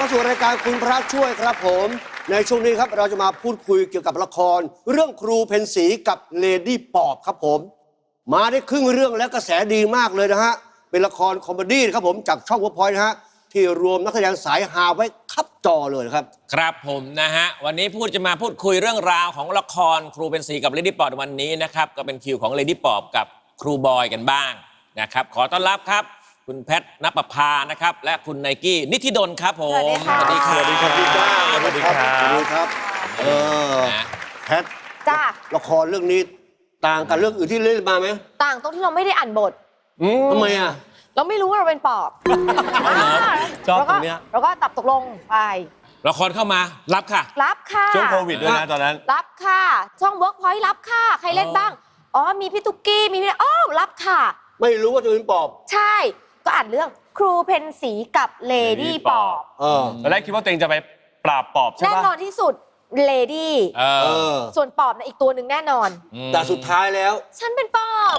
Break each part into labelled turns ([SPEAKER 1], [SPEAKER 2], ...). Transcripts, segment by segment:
[SPEAKER 1] สู่รายการคุณพระช่วยครับผมในช่วงนี้ครับเราจะมาพูดคุยเกี่ยวกับละครเรื่องครูเพ็ญศรีกับเลดี้ปอบครับผมมาได้ครึ่งเรื่องแล้วกระแสดีมากเลยนะฮะเป็นละครคอมเมดี้ครับผมจากช่อง Workpoint นะฮะที่รวมนักแสดงสายฮาไว้คับจอเลยครับ
[SPEAKER 2] ครับผมนะฮะวันนี้จะมาพูดคุยเรื่องราวของละครครูเพ็ญศรีกับเลดี้ปอบวันนี้นะครับก็เป็นคิวของเลดี้ปอบกับครูบอยกันบ้างนะครับขอต้อนรับครับคุณแพทณปภานะครับและคุณไนกี้นิธิดลครับผม
[SPEAKER 3] สวัสดีค่ะ
[SPEAKER 1] สวัสดีครับพี่จ้าสวัสดีครับสวัสดีครับแพท
[SPEAKER 3] จ้า
[SPEAKER 1] ละครเรื่องนี้ต่างกับเรื่องอื่นที่เล่นมาไหม
[SPEAKER 3] ต่างตรงที่เราไม่ได้อ่านบท
[SPEAKER 1] ทำไมอ่ะ
[SPEAKER 3] เราไม่รู้ว่าเราเป็นปอบ
[SPEAKER 4] ชอบตรงเนี้ย
[SPEAKER 3] แล้วก็ตับตกลงไป
[SPEAKER 2] ละครเข้ามารับค่ะ
[SPEAKER 3] รับค่ะ
[SPEAKER 4] ช่วงโควิดด้วยนะตอนนั้น
[SPEAKER 3] รับค่ะช่อง Workpoint รับค่ะใครเล่นบ้างอ๋อมีพี่ตุ๊กกี้มีพี่รับค่ะ
[SPEAKER 1] ไม่รู้ว่าจะเป็นปอบ
[SPEAKER 3] ใช่ก็อ่านเรื่องครูเพ็ญศรีกับเลดี้ปอบ
[SPEAKER 4] ตอนแรกคิดว่าตัวเองจะไปปราบปอบใช่ไหม
[SPEAKER 3] แน่นอนที่สุดเลดี้ส่วนปอบในอีกตัวหนึ่งแน่นอน
[SPEAKER 1] แต่สุดท้ายแล้ว
[SPEAKER 3] ฉันเป็นปอบ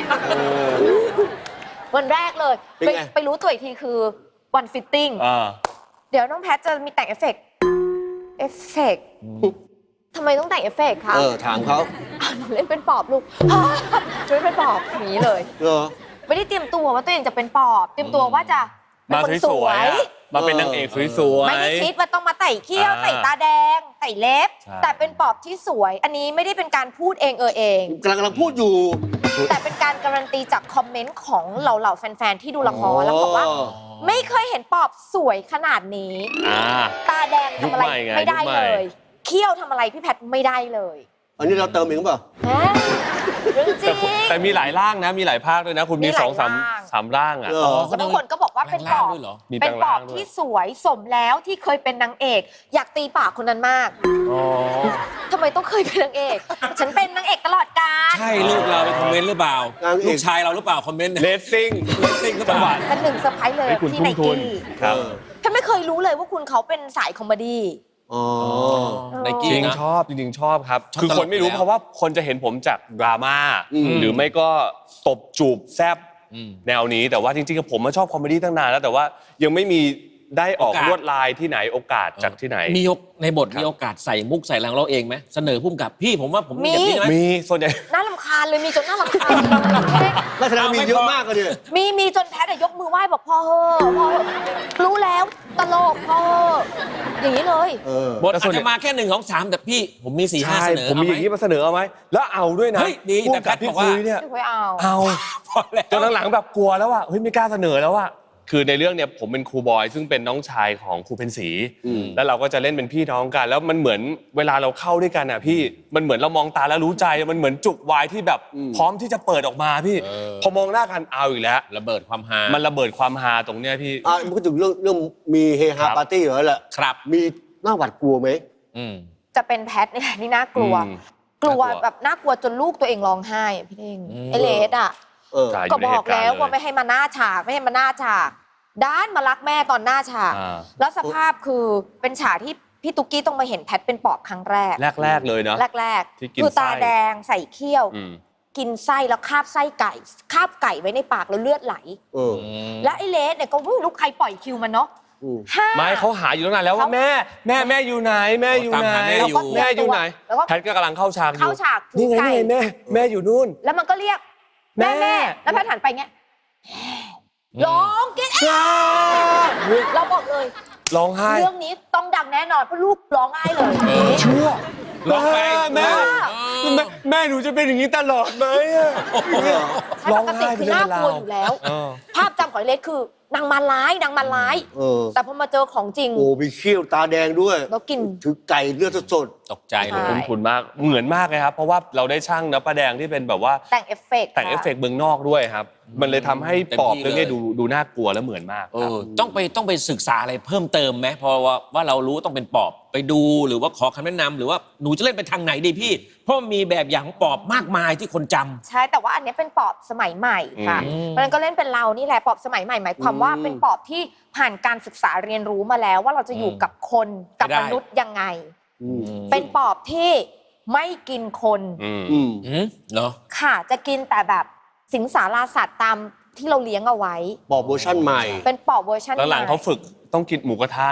[SPEAKER 3] วันแรกเลยไปรู้ตัวอีกทีคือวันฟิตติ้งเดี๋ยวน้องแพทจะมีแต่งเอฟเฟกต์ทำไมต้องแต่งเอฟเฟกต์คะ
[SPEAKER 1] ถามเขา
[SPEAKER 3] หนูเล่นเป็นปอบลูกหนูเล่นเป็นปอบนี้เลยไม่ได้เตรียมตัวว่าตัวเองจะเป็นปอบเตรียมตัวว่าจะเป็นคนสวย
[SPEAKER 4] มาเป็นนางเอกสวยๆ
[SPEAKER 3] ไม่ได้คิดว่าต้องมาใส่เขี้ยวใส่ตาแดงใส่เล็บแต่เป็นปอบที่สวยอันนี้ไม่ได้เป็นการพูดเองเอง
[SPEAKER 1] กำลังพูดอยู่
[SPEAKER 3] แต่เป็นการการันตีจากคอมเมนต์ของเหล่าแฟนๆที่ดูละครแล้วบอกว่าไม่เคยเห็นปอบสวยขนาดนี้ตาแดงทำอะไรไม่ได้เลยเขี้ยวทำอะไรพี่แพทไม่ได้เลย
[SPEAKER 1] อันนี้เราเติมเองเปล่า
[SPEAKER 3] เรื่องจริง
[SPEAKER 4] แต่มีหลายร่างนะมีหลายภาคด้วยนะคุณมี2-3ร่างอ่ะ
[SPEAKER 3] บางคนก็บอกว่าเป็นปอบเป็นปอบที่สวยสมแล้วที่เคยเป็นนางเอกอยากตีปากคนนั้นมากทำไมต้องเคยเป็นนางเอกฉันเป็นนางเอกตลอดกาล
[SPEAKER 2] ใช่ลูกเราไปคอมเมนต์หรือเปล่าลูกชายเราหรือเปล่าคอมเมนต์
[SPEAKER 4] เลสซิ่ง
[SPEAKER 2] หรือเปล่า
[SPEAKER 3] เป็นหนึ่งเซอร์ไพรส์เลยที่ไนกี้ฉันไม่เคยรู้เลยว่าคุณเขาเป็นสายคอมเมดี้
[SPEAKER 2] ไนกี้
[SPEAKER 4] จริงชอบครับคือคนไม่รู้เพราะว่าคนจะเห็นผมจากดราม่าหรือไม่ก็ตบจูบแซบแนวนี้แต่ว่าจริงๆผมชอบคอมเมดี้ตั้งนานแล้วแต่ว่ายังไม่มีได้ออกลวดลายที่ไหนโอกาสจากที่ไหน
[SPEAKER 2] มีในบทมีโอกาสใส่มุกใส่แรงเราเองไหมเสนอพุ่มกับพี่ผมว่าผม
[SPEAKER 3] มี
[SPEAKER 4] ส่วนใหญ่
[SPEAKER 3] น่ารำคาญเลยมีจนน่ารำคาญ
[SPEAKER 1] ลักษณะมีเยอะมากเลย
[SPEAKER 3] มีจนแพทยกมือไหว้บอกพ่อรู้แล้วตลกพ่ออย่างนี้เลย
[SPEAKER 2] บทอาจจะมาแค่1 2 3แต่พี่ผมมี4 5เสนอ
[SPEAKER 4] ผมมีอย่างนี้มาเสนอเอาไหมแล้วเอาด้วยนะ
[SPEAKER 2] ดีแต่แพทบอกว่า
[SPEAKER 4] เนี่ย
[SPEAKER 3] เอา
[SPEAKER 4] จนหลังๆแบบกลัวแล้วว่าเฮ้ยไม่กล้าเสนอแล้วว่าคือในเรื่องเนี่ยผมเป็นครูบอยซึ่งเป็นน้องชายของครูเพ็ญศรีแล้วเราก็จะเล่นเป็นพี่น้องกันแล้วมันเหมือนเวลาเราเข้าด้วยกันอ่ะพี่มันเหมือนเรามองตาแล้วรู้ใจมันเหมือนจุกวายที่แบบพร้อมที่จะเปิดออกมาพี่พอมองหน้ากันเอาอีกแล้ว
[SPEAKER 2] ระเบิดความฮา
[SPEAKER 4] มันระเบิดความฮาตรงเนี้ยพี่
[SPEAKER 1] มันก็ถึงเรื่องมีเฮฮาปาร์ตี้เหรอแหละ
[SPEAKER 2] ครับ
[SPEAKER 1] มีน่าหวาดกลัวไหม
[SPEAKER 3] จะเป็นแพทเนี่ยนี่น่ากลัวแบบน่ากลัวจนลูกตัวเองร้องไห้พี่เองไอเลสอ่ะก็บอกแล้วว่าไม่ให้มาหน้าฉากไม่ให้มาหน้าฉากด้านมารักแม่ตอนหน้าฉากแล้วสภาพคือเป็นฉากที่พี่ตุ๊กกี้ต้องมาเห็นแพทเป็นปอบครั้งแรก
[SPEAKER 4] เลยเนาะ
[SPEAKER 3] แรกคือตาแดงใส่เขี้ยวกินไส้แล้วคาบไส้ไก่คาบไก่ไว้ในปากแล้วเลือดไหลแล้วไอ้เลสเนี่ยก็ไม่รู้ใครปล่อยคิวมันเนาะ
[SPEAKER 4] ไม่เขาหาอยู่ตั้งนานแล้วว่าแม่อยู่ไหนแม่อยู่ไหนแพทก็กำลังเข้าฉากนี่ไงแม่อยู่นู่น
[SPEAKER 3] แล้วมันก็เรียกแม่แล้วแพทหันไปเงี้ยร้องกินเราบอกเลย
[SPEAKER 4] ร้องไห้
[SPEAKER 3] เรื่องนี้ต้องดังแน่นอนเพราะลูกร้องไห้เลย
[SPEAKER 4] ชั่วร้องแม่หนูจะเป็นอย่างนี้ตลอดไหม
[SPEAKER 3] ร้องไห้คือน่ากลัวอยู่แล้วภาพจำของเล็กคือนางมาร้ายแต่พอมาเจอของจริง
[SPEAKER 1] โอ้มีเขี้ยวตาแดงด้วย
[SPEAKER 3] แล้วกิน
[SPEAKER 1] ถือไก่เลือดสด
[SPEAKER 2] ตกใจเลย
[SPEAKER 4] คุ้นมากเหมือนมากเลยครับเพราะว่าเราได้ช่างนะป้าแดงที่เป็นแบบว่า
[SPEAKER 3] แต่งเอฟเฟ
[SPEAKER 4] กต์เมืองนอกด้วยครับมันเลยทำให้ปอบเรื่องนี้ดูน่ากลัวและเหมือนมาก
[SPEAKER 2] ต้องไปศึกษาอะไรเพิ่มเติมไหมเพราะว่าเรารู้ต้องเป็นปอบไปดูหรือว่าขอคำแนะนำหรือว่าหนูจะเล่นไปทางไหนดีพี่เพราะมีแบบอย่างของปอบมากมายที่คนจำ
[SPEAKER 3] ใช่แต่ว่าอันนี้เป็นปอบสมัยใหม่ค่ะมันก็เล่นเป็นเรานี่แหละปอบสมัยใหม่หมายความว่าเป็นปอบที่ผ่านการศึกษาเรียนรู้มาแล้วว่าเราจะอยู่กับคนกับมนุษย์ยังไงเป็นปอบที่ไม่กินคน
[SPEAKER 2] เหรอ
[SPEAKER 3] ค่ะจะกินแต่แบบสิงสาราสัตว์ตามที่เราเลี้ยงเอาไว้
[SPEAKER 1] ปอบเวอร์ชั่นใหม่
[SPEAKER 3] เป็นปอบเวอร์ชั่นใหม่
[SPEAKER 4] แล้วหลังเขาฝึกต้องกินหมูกระทะนะ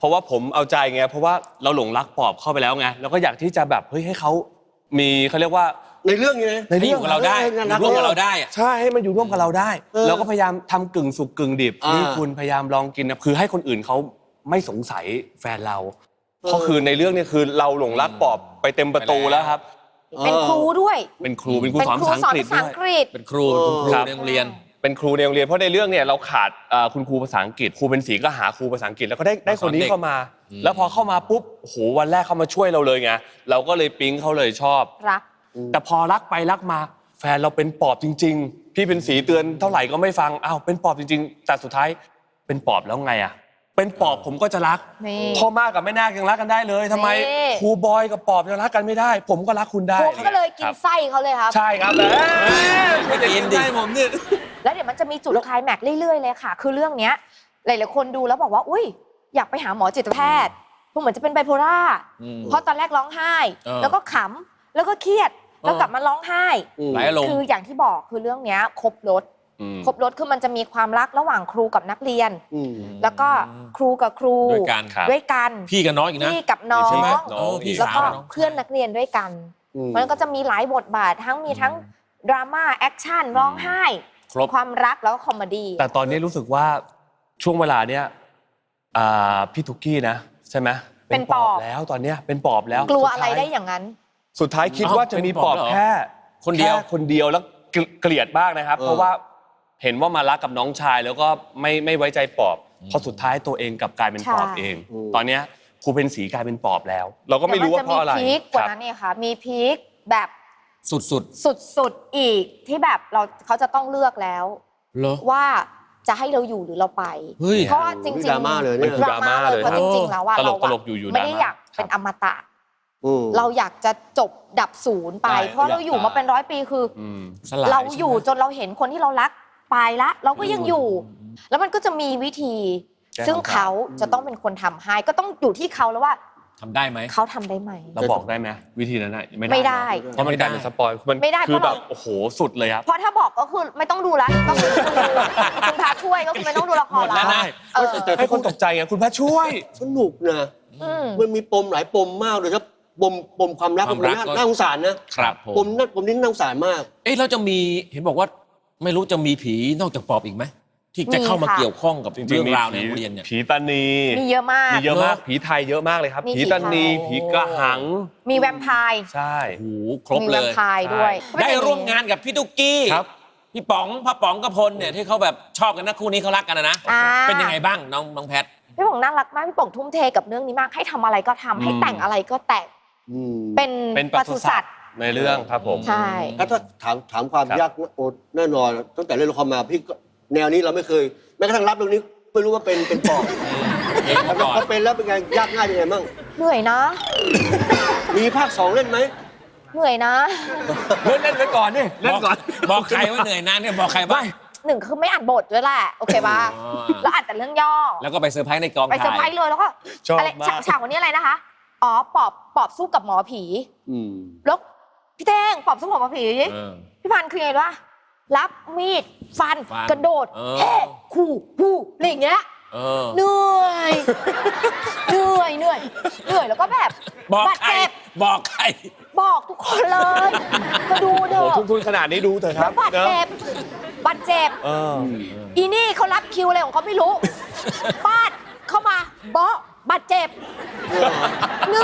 [SPEAKER 4] ราะว่าผมเอาใจไงเพราะว่าเราหลงรักปอบเข้าไปแล้วไงแล้วก็อยากที่จะแบบเฮ้ยให้เขามีเขาเรียกว่า
[SPEAKER 1] ในเรื่องนี้นะ
[SPEAKER 2] ให้อยู่กับเราได้อยู่ร่วมกับเราได้อะ
[SPEAKER 4] ใช่ให้มันอยู่ร่วมกับเราได้เราก็พยายามทำกึ่งสุกกึ่งดิบนี่คุณพยายามลองกินนะคือให้คนอื่นเขาไม่สงสัยแฟนเราเพราะคือในเรื่องนี้คือเราหลงรักปอบไปเต็มประตูแล้วครับ
[SPEAKER 3] เป็นครูด้วย
[SPEAKER 4] เป็นครูสอนภาษาอังกฤษ
[SPEAKER 3] ภาษา
[SPEAKER 4] ด้ว
[SPEAKER 3] อั
[SPEAKER 4] ย
[SPEAKER 3] งกฤษ
[SPEAKER 2] เป็นครูคุณครู
[SPEAKER 4] ครับ
[SPEAKER 2] ในโรงเรียน
[SPEAKER 4] เป็นครูในโรงเรียนเพราะในเรื่องเนี่ยเราขาดคุณครูภาษาอังกฤษครูเป็นศรีก็หาครูภาษาอังกฤษแล้วก็ได้คนนี้เข้ามา แล้วพอเข้ามาปุ๊บโอ้โหวันแรกเขามาช่วยเราเลยไงเราก็เลยปิ๊งเขาเลยชอบ
[SPEAKER 3] รัก
[SPEAKER 4] แต่พอรักไปรักมาแฟนเราเป็นปอบจริงๆพี่เป็นศรีเตือนเท่าไหร่ก็ไม่ฟังอ้าวเป็นปอบจริงๆแต่สุดท้ายเป็นปอบแล้วไงอ่ะเป็นปอบผมก็จะรัก
[SPEAKER 3] นี่
[SPEAKER 4] พ่อมากกับแม่นาคยังรักกันได้เลยทำไม
[SPEAKER 3] นี่
[SPEAKER 4] ครูบอยกับปอบยังรักกันไม่ได้ ผมก็รักคุณได้
[SPEAKER 3] ครูก็เลยกิ
[SPEAKER 4] คน รับ
[SPEAKER 3] ไส้เขาเลยครับ
[SPEAKER 4] ใช่ครับไม่จะกินได้ผมเนี่ย
[SPEAKER 3] แล้วเดี๋ยวมันจะมีจุดไคลแม็กซ์เรื่อยๆเลยค่ะ คือเรื่องเนี้ยหลายๆคนดูแล้วบอกว่าอุ้ยอยากไปหาหมอจิตแพทย์เพราะเหมือนจะเป็นไบโพล่าเพราะตอนแรกร้องไห้ แล้วก็ขำแล้วก็เครียดแล้วกลับมาร้องไห้
[SPEAKER 2] หลายอารมณ์
[SPEAKER 3] คืออย่างที่บอกคือเรื่องเนี้ยครบรสคือมันจะมีความรักระหว่างครูกับนักเรียน แล้วก็ครูกับครู
[SPEAKER 2] ด้วยกัน
[SPEAKER 4] ครับ
[SPEAKER 3] ด้วยกัน
[SPEAKER 2] พี่กับน้องอีกนะ
[SPEAKER 3] พี่กับน้อ
[SPEAKER 2] ใช่ไหม
[SPEAKER 3] ง
[SPEAKER 2] น้องพี่
[SPEAKER 3] แล้ว
[SPEAKER 2] สาว
[SPEAKER 3] ก็
[SPEAKER 2] น้อง
[SPEAKER 3] เพื่อนนักเรียนด้วยกัน มันก็จะมีหลายบทบาททั้งดราม่าแอคชั่นร้องไห้
[SPEAKER 2] ครบ
[SPEAKER 3] ความรักแล้วก็คอมเมดี้
[SPEAKER 4] แต่ตอนนี้รู้สึกว่าช่วงเวลาเนี้ยพี่ทุกกี้นะใช่ไหมเป็นปอบแล้วตอนเนี้ยเป็นปอบแล้ว
[SPEAKER 3] กลัวอะไรได้อย่างนั้น
[SPEAKER 4] สุดท้ายคิดว่าจะมีปอบแค่
[SPEAKER 2] คนเดียว
[SPEAKER 4] แค่คนเดียวแล้วเกลียดมากนะครับ เพราะว่าเห็นว่ามารักกับน้องชายแล้วก็ไม่ไว้ใจปอบเพราะสุดท้ายตัวเองกลับกลายเป็นปอบ
[SPEAKER 3] ใช่
[SPEAKER 4] เอง ตอนเนี้ยครูเพนศรีกลายเป็นปอบแล้ว เราก็ไม่รู้ว่าเพราะอะไร
[SPEAKER 3] แต่มันจะมีพีคกว่า
[SPEAKER 4] ครับ
[SPEAKER 3] นั้นเนี่ยค่ะ มีพีคแบบ
[SPEAKER 2] สุด
[SPEAKER 3] สุดๆอีกที่แบบเขาจะต้องเลือกแล้ว
[SPEAKER 2] ๆเหรอ
[SPEAKER 3] ว่าจะให้เราอยู่หรือเราไป
[SPEAKER 2] เฮ้ย
[SPEAKER 3] เพราะว่าจริงๆ
[SPEAKER 1] ดราม่าเลยเนี่ย
[SPEAKER 3] ดราม่าเลยเพราะจริงๆแล้วว่า
[SPEAKER 4] ตล
[SPEAKER 3] เรา
[SPEAKER 4] กตลกอยู่
[SPEAKER 3] ไม่ได้
[SPEAKER 4] ดราม่า
[SPEAKER 3] อยากเป็นอมตะ
[SPEAKER 1] อืม
[SPEAKER 3] เราอยากจะจบดับศูนย์ไป
[SPEAKER 2] ใช่
[SPEAKER 3] เพราะเราอยู่มาเป็น100 ปีคือ
[SPEAKER 2] สลาย
[SPEAKER 3] เราอยู่
[SPEAKER 2] ใช่ไหม
[SPEAKER 3] จนเราเห็นคนที่เรารักไปละเราก็ยังอยู่ แล้วมันก็จะมีวิธี
[SPEAKER 4] แก้
[SPEAKER 3] ซึ่ง
[SPEAKER 4] คำถาม
[SPEAKER 3] เขาจะต้องเป็นคนทำให้ก็ต้องอยู่ที่เขาแล้วว่า
[SPEAKER 2] ทำได้ไหม
[SPEAKER 3] เขาทำได้ไหม
[SPEAKER 4] เราบอกได้ไหมวิธีนั้นน่ะ
[SPEAKER 3] ไม่ได้
[SPEAKER 4] เพราะมันกลายเป็นสปอยมัน
[SPEAKER 3] ไม่ได้
[SPEAKER 4] คือ
[SPEAKER 3] เพราะ
[SPEAKER 4] แบ
[SPEAKER 3] เรา
[SPEAKER 4] บโอ้โหสุดเลยครับ
[SPEAKER 3] เพราะถ้าบอกก็คือไม่ต้องดูละก็คือคุณพาช่วยก็คือไม่ต้องดูละคร
[SPEAKER 2] หมดแล้ว
[SPEAKER 3] ละ
[SPEAKER 2] นะ
[SPEAKER 3] เออ
[SPEAKER 1] แต่
[SPEAKER 4] ให้คนตกใจไงคุณพระช่วย
[SPEAKER 1] สนุกนะ
[SPEAKER 3] อืม
[SPEAKER 1] มันมีปมหลายปมมากเลยครับปมความรัก
[SPEAKER 2] ความรัก
[SPEAKER 1] น่าสงสารนะครับ
[SPEAKER 2] ผม
[SPEAKER 1] ปมนี้น่าสงสารมาก
[SPEAKER 2] เอ๊ะเราจะมีเห็นบอกว่าไม่รู้จะมีผีนอกจากปอบอีกไหมที่จะเข้ามา
[SPEAKER 3] มีค่ะ
[SPEAKER 2] เกี่ยวข้องกับ
[SPEAKER 4] จริงๆ
[SPEAKER 2] เรื่องราวใน
[SPEAKER 4] มี
[SPEAKER 2] โรงเรียนเนี่ย
[SPEAKER 4] ผีตานี
[SPEAKER 3] มีเยอะมาก
[SPEAKER 4] มีเยอะมาก
[SPEAKER 2] เนอะ
[SPEAKER 4] ผีไทยเยอะมากเลยครับ
[SPEAKER 3] มี
[SPEAKER 4] ผีตานี
[SPEAKER 3] ผีไทย
[SPEAKER 4] ผีกระหัง
[SPEAKER 3] มีแวมไพร์
[SPEAKER 4] ใช่
[SPEAKER 2] โอ้โหครบ
[SPEAKER 3] มี
[SPEAKER 2] เล
[SPEAKER 3] แวม
[SPEAKER 2] ย
[SPEAKER 3] ไพร์ด้วย
[SPEAKER 2] ได้ร่วมงานกับพี่ตุ๊กกี้
[SPEAKER 4] ครับ
[SPEAKER 2] พี่ป๋องพ่อป๋องกับพลเนี่ยที่เขาแบบชอบกันนะคู่นี้เขารักกันนะ
[SPEAKER 3] อ่า
[SPEAKER 2] เป็นยังไงบ้างน้องแพท
[SPEAKER 3] พี่ป๋องน่ารักมากพี่ป๋องทุ่มเทกับเรื่องนี้มากให้ทำอะไรก็ทำให้แต่งอะไรก็แต่ง
[SPEAKER 1] อืม
[SPEAKER 3] เป็น
[SPEAKER 4] เป็นปศุสัตว์ในเรื่องครับผม
[SPEAKER 3] ใช่
[SPEAKER 1] ถ้าถามความ
[SPEAKER 4] ครับ
[SPEAKER 1] ยากโอ้แน่นอนตั้งแต่เล่นละครมาพี่ก็แนวนี้เราไม่เคยแม้กระทั่งรับเรื่องนี้ไม่รู้ว่าเป็นปอบ
[SPEAKER 2] เองมาก่อน
[SPEAKER 1] พอเป็นแล้วเป็นไงยากง่ายยังไงมั่ง
[SPEAKER 3] เหนื่อยนะ
[SPEAKER 1] มีภาค 2 เล่นไหม
[SPEAKER 3] เหนื่อยนะ
[SPEAKER 4] เล่นไว้ก่อนนี่เล่นก่อน
[SPEAKER 2] บอกใครว่าเหนื่อยนะเนี่ยบอกใครบ้าง
[SPEAKER 3] หนึ่งคือไม่อ่านบทด้วยแหละโอเคป่ะ
[SPEAKER 2] อ๋อ
[SPEAKER 3] แล้วอ่านแต่เรื่องย่อ
[SPEAKER 2] แล้วก็ไปเซอร์ไพรส์ในกอง
[SPEAKER 3] ไปเซอร์ไพร
[SPEAKER 2] ถ่าย
[SPEAKER 3] ส์เลยแล้วก็
[SPEAKER 4] ชอบ
[SPEAKER 3] อะไร
[SPEAKER 4] มาก
[SPEAKER 3] ฉากวันนี้อะไรนะคะอ๋อปอบสู้กับหมอผี
[SPEAKER 1] อืม
[SPEAKER 3] แล้วพี่เต้งปอบสู้กับหมอผี
[SPEAKER 2] เออ
[SPEAKER 3] พี่พันธุ์คือไงวะรับมีดฟัน
[SPEAKER 2] ฟัน
[SPEAKER 3] กระโดด
[SPEAKER 2] เออ
[SPEAKER 3] แห่ขู่ผู้อะไรอย่างเงี้ย
[SPEAKER 2] เออ
[SPEAKER 3] เหนื่อยเหนื่อยแล้วก็แบบ
[SPEAKER 2] บอก
[SPEAKER 3] บาด
[SPEAKER 2] ใคร
[SPEAKER 3] เจ็บ
[SPEAKER 2] บอกใคร
[SPEAKER 3] บอกทุกคนเลยมาดูเถ
[SPEAKER 4] โอ้
[SPEAKER 3] อะ
[SPEAKER 4] โหทุนขนาดนี้ดูเถอะครับ
[SPEAKER 3] บาด
[SPEAKER 4] เนอะ
[SPEAKER 3] เจ็บ
[SPEAKER 4] เออ
[SPEAKER 3] อีนี่เขารับคิวอะไรของเขาไม่รู้ฟาดเข้ามาเบาะบาดเจ็บ เห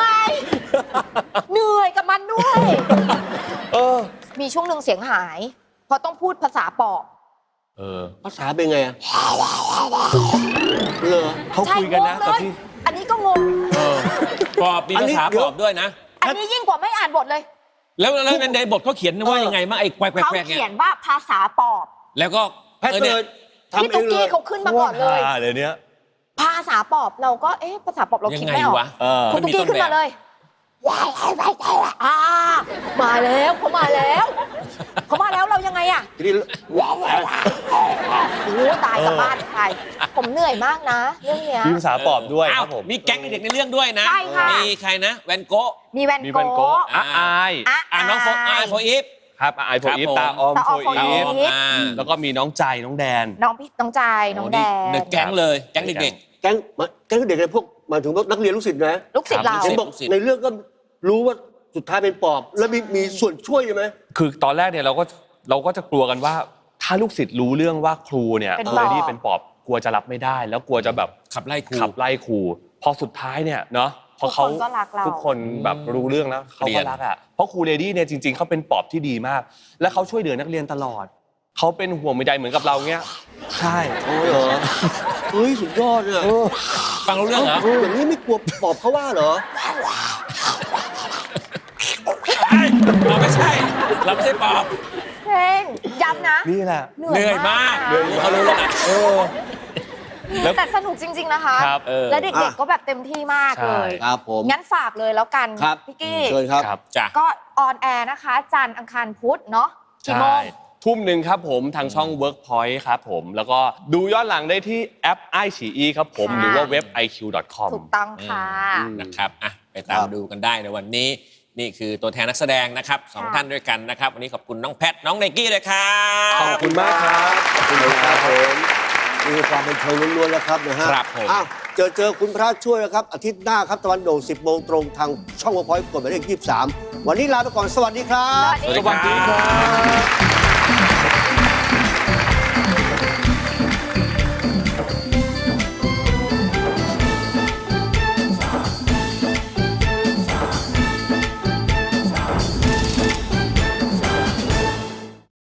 [SPEAKER 3] นื่อยกับมันด้วย
[SPEAKER 4] เออ
[SPEAKER 3] มีช่วงหนึ่งเสียงหาย เพราะต้องพูดภาษาปอบ
[SPEAKER 4] เออ
[SPEAKER 1] ภาษาเป็นไงอะเหรอ
[SPEAKER 4] เขา
[SPEAKER 3] ใช่
[SPEAKER 4] คุยกันนะ
[SPEAKER 3] งง
[SPEAKER 4] แต่
[SPEAKER 3] เลย
[SPEAKER 4] พี่
[SPEAKER 3] อันนี้ก็งง
[SPEAKER 2] เออปอบมี
[SPEAKER 1] อัน
[SPEAKER 2] ภา
[SPEAKER 1] นี้
[SPEAKER 2] ษา
[SPEAKER 1] เดี๋
[SPEAKER 2] ป
[SPEAKER 1] ยว
[SPEAKER 2] อบด้วยนะ
[SPEAKER 3] อันนี้ยิ่งกว่าไม่อ่านบทเลย
[SPEAKER 2] แล้วในบทเขาเขียนว่ายังไงบ้างไอ้แควก
[SPEAKER 3] เขา
[SPEAKER 2] ๆเนี่ย
[SPEAKER 3] เขียนว่าภาษาปอบ
[SPEAKER 2] แล้วก็
[SPEAKER 1] แพทย์
[SPEAKER 2] เนี่
[SPEAKER 1] เลย ยทำ
[SPEAKER 3] พี่
[SPEAKER 1] เอ
[SPEAKER 3] ตุ๊ก
[SPEAKER 1] งเล
[SPEAKER 3] กี้
[SPEAKER 1] ย
[SPEAKER 3] เขาขึ้นมาก่อนเลย
[SPEAKER 4] เดี๋ยวนี้
[SPEAKER 3] ภาษาปอบเราก็ภาษาปอบเรา
[SPEAKER 2] ยั
[SPEAKER 3] คิด
[SPEAKER 2] งไง
[SPEAKER 3] ไม่ออก
[SPEAKER 2] วะ
[SPEAKER 4] เออ
[SPEAKER 3] คุณตุ๊กกี้ขึ้นมาเลยมาแล้วเขามาแล้วเรายังไงอะ
[SPEAKER 1] ทีนี้
[SPEAKER 3] โอ้ตายกลับบ้านไปผมเหนื่อยมากนะเรื่องเนี้ย
[SPEAKER 4] มีภาษาปอบด้วย
[SPEAKER 2] อ้า
[SPEAKER 4] คว รับผม
[SPEAKER 2] มีแก๊งเด็กในเรื่องด้วยนะ
[SPEAKER 3] ใช่ค่ะ
[SPEAKER 2] มีใครนะ แวนโกะ
[SPEAKER 3] มีแวน
[SPEAKER 4] มี
[SPEAKER 3] โก
[SPEAKER 4] แวนโกะ
[SPEAKER 3] ะ
[SPEAKER 4] อาย
[SPEAKER 2] น้องโฟอีฟ
[SPEAKER 4] ครับไอโฟอีฟ
[SPEAKER 2] ครับผม
[SPEAKER 4] ตาออม
[SPEAKER 3] ตาอ
[SPEAKER 4] โฟ
[SPEAKER 3] อมโฟอี
[SPEAKER 4] อีฟ
[SPEAKER 3] ฟ
[SPEAKER 4] แล้วก็มีน้องใจน้องแดน
[SPEAKER 3] น้องจายน้องแดน
[SPEAKER 2] เด็กแก๊งเลยแก๊งเด็ก
[SPEAKER 1] แก๊งเด็กเลยพวกหมายถึงว่านักเรียนลูกศิษย์นะ
[SPEAKER 3] ลูกศิษย์เรา
[SPEAKER 1] เห็นบอกในเรื่องก็รู้ว่าสุดท้ายเป็นปอบ แล้วมีส่วนช่วยใช่ไหม
[SPEAKER 4] คือตอนแรกเนี่ยเราก็จะกลัวกันว่าถ้าลูกศิษย์รู้เรื่องว่าครูเนี่ย
[SPEAKER 3] เป็น
[SPEAKER 4] เล
[SPEAKER 3] ปอบ
[SPEAKER 4] ดี้เป็นปอบกลัวจะรับไม่ได้ แล้วกลัวจะแบบ
[SPEAKER 2] ขับไล่ครู
[SPEAKER 4] ขับไล่ครูพอสุดท้ายเนี่ยเนาะพอเขา
[SPEAKER 3] ทุกคนก็รักเรา
[SPEAKER 4] ทุกคนแบบรู้เรื่องแล้วเขา
[SPEAKER 2] เรี
[SPEAKER 4] ก็
[SPEAKER 2] ยน
[SPEAKER 4] รักอ่ะเพราะครูเลดี้เนี่ยจริงๆเขาเป็นปอบที่ดีมาก และเขาช่วยเหลือนักเรียนตลอดเขาเป็นห่วงใยเหมือนกับเราเงี้ยใช่
[SPEAKER 1] โอ้ยเหรอเฮ้ยสุดยอดเนี่ย
[SPEAKER 2] ฟังรู้เรื่องเหรอ
[SPEAKER 1] อย่างนี้ไม่กลัวปอบเขาว่าเหรอ
[SPEAKER 2] เราไม่ใช่ เราไม่ใช่ปอบ
[SPEAKER 3] เพลงย้ำนะ
[SPEAKER 4] นี่แหละ
[SPEAKER 2] เหนื่อยมาก
[SPEAKER 3] เหนื่อย
[SPEAKER 2] เขารู้แล้วนะ
[SPEAKER 4] แล้ว
[SPEAKER 3] แต่สนุกจริง ๆนะคะ
[SPEAKER 4] ครับ
[SPEAKER 3] และเด็กๆก็แบบเต็มที่มากเลย
[SPEAKER 1] ครับผม
[SPEAKER 3] งั้นฝากเลยแล้วกัน
[SPEAKER 1] ครับ
[SPEAKER 3] พี่กี้
[SPEAKER 1] เชิญครับ
[SPEAKER 4] ครับ
[SPEAKER 2] จ้ะ
[SPEAKER 3] ก็ออนแอร์นะคะ จันทร์อังคารพุธเนาะกี่โมง
[SPEAKER 4] ทุ่มหนึ่งครับผมทางช่อง Workpoint ครับผมแล้วก็ดูย้อนหลังได้ที่แอป iQIYI ครับผม
[SPEAKER 3] ค่ะ
[SPEAKER 4] หรือว่าเว็บ iq.com
[SPEAKER 3] ถูกต้องค่ะ
[SPEAKER 2] นะครับอ่ะไปตามดูกันได้ในวันนี้ นี่คือตัวแทนนักแสดงนะครับสอง
[SPEAKER 3] ค่ะ
[SPEAKER 2] ท่านด้วยกันนะครับ วันนี้ขอบคุณน้องแพท น้องไนกี้เลยครั
[SPEAKER 4] ขอ
[SPEAKER 2] บบ
[SPEAKER 4] คุณมากครับ
[SPEAKER 1] ขอบคุณครับผมมีความเป็นเชิงล้วนๆแล้วครับนะฮะ
[SPEAKER 2] ครับผม
[SPEAKER 1] อ้าวเจอคุณพระช่วยนะครับ อาทิตย์หน้าครับตะวันโด่ง 10 โมงตรงทางช่องวอพอยต์กดหมายเลข23 วันนี้ลาไปก่อน สวัสดีครับ
[SPEAKER 3] สวัสดีค่ะ